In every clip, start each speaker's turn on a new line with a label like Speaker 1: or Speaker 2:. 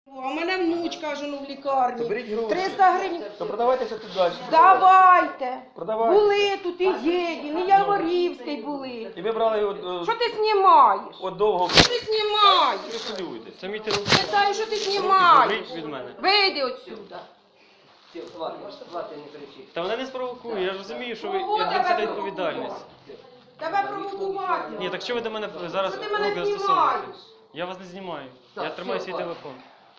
Speaker 1: А в мене внучка ж в лікарні.
Speaker 2: То беріть гроші.
Speaker 1: 300 гривень.
Speaker 2: То продавайтеся тут далі.
Speaker 1: Давайте.
Speaker 2: Продавайте.
Speaker 1: Були тут і Єдін, і Яворівський були.
Speaker 2: І ви брали от,
Speaker 1: Що ти знімаєш?
Speaker 2: от довго.
Speaker 1: Що ти знімаєш?
Speaker 2: Не хвилюйтесь.
Speaker 3: Це мій телефон.
Speaker 1: Питаю, що ти знімаєш?
Speaker 3: Заберіть від мене.
Speaker 1: Вийди отсюда.
Speaker 3: Та вона не спровокує, я ж розумію, що ви
Speaker 1: Кого
Speaker 3: як
Speaker 1: тебе
Speaker 3: несете відповідальність.
Speaker 1: Тебе провокувати.
Speaker 3: Ні, так що ви до мене зараз
Speaker 1: Що ти мене
Speaker 3: руки
Speaker 1: знімаєш?
Speaker 3: застосовуєте? Я вас не знімаю. Я тримаю свій телефон.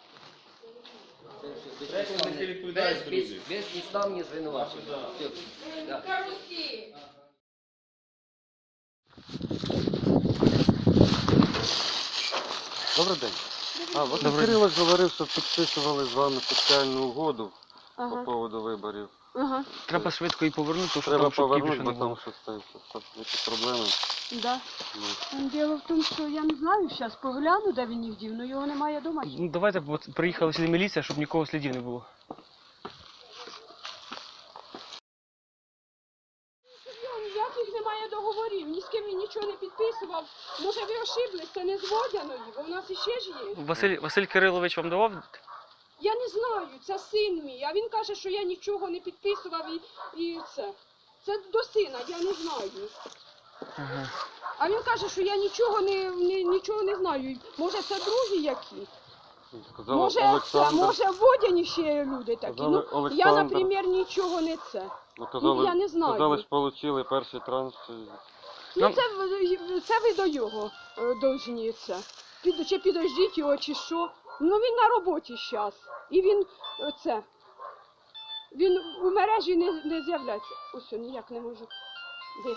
Speaker 4: Без підставні звинувачення. Да.
Speaker 1: Карусель.
Speaker 5: Добрий день. Василь Кирилович говорив, що підписували з вами соціальну угоду по поводу виборів.
Speaker 3: Треба швидко її повернути, тому що
Speaker 5: Треба
Speaker 3: там шубки
Speaker 5: повернути,
Speaker 3: більше
Speaker 5: бо
Speaker 3: не
Speaker 5: там
Speaker 3: було.
Speaker 5: щось якісь проблеми.
Speaker 6: Да. Діло в тому, що я не знаю, зараз погляну, де він їх дів, але його немає вдома.
Speaker 3: Ну давайте, бо приїхала сюди міліція, щоб нікого слідів не було.
Speaker 6: Ніяких немає договорів, ні з ким він нічого не підписував. Може ви ошиблись, це не з Водяною, бо в нас іще ж є.
Speaker 3: Василь Кирилович вам давав?
Speaker 6: Я не знаю, це син мій, а він каже, що я нічого не підписував і це. Це до сина, я не знаю.
Speaker 3: Ага.
Speaker 6: А він каже, що я нічого не знаю. Може це другі які?
Speaker 5: Сказав
Speaker 6: Може
Speaker 5: Олександр.
Speaker 6: може в Водяні ще є люди такі.
Speaker 5: Казали
Speaker 6: Ну, я,
Speaker 5: Олександр.
Speaker 6: наприклад, нічого не це.
Speaker 5: Казали,
Speaker 6: я не знаю.
Speaker 5: Казали, що отримали перший транш.
Speaker 6: Ну це ви до його должні це. Чи підождіть його, чи що. Ну він на роботі зараз. І він це. Він у мережі не з'являється. Ось ніяк не можу. Де?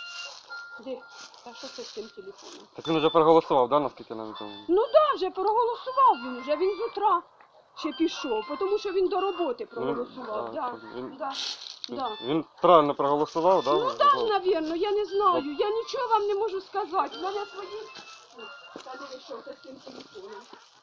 Speaker 6: Та що це з цим телефоном?
Speaker 5: Так він вже проголосував, да, наскільки нам відомо?
Speaker 6: Ну так, вже проголосував він з утра ще пішов, тому що він до роботи проголосував.
Speaker 5: так,
Speaker 6: Да.
Speaker 5: Він правильно проголосував, да?
Speaker 6: Ну так, навірно, я не знаю. Я нічого вам не можу сказати. У мене свої... Та диви, що це з цим телефоном.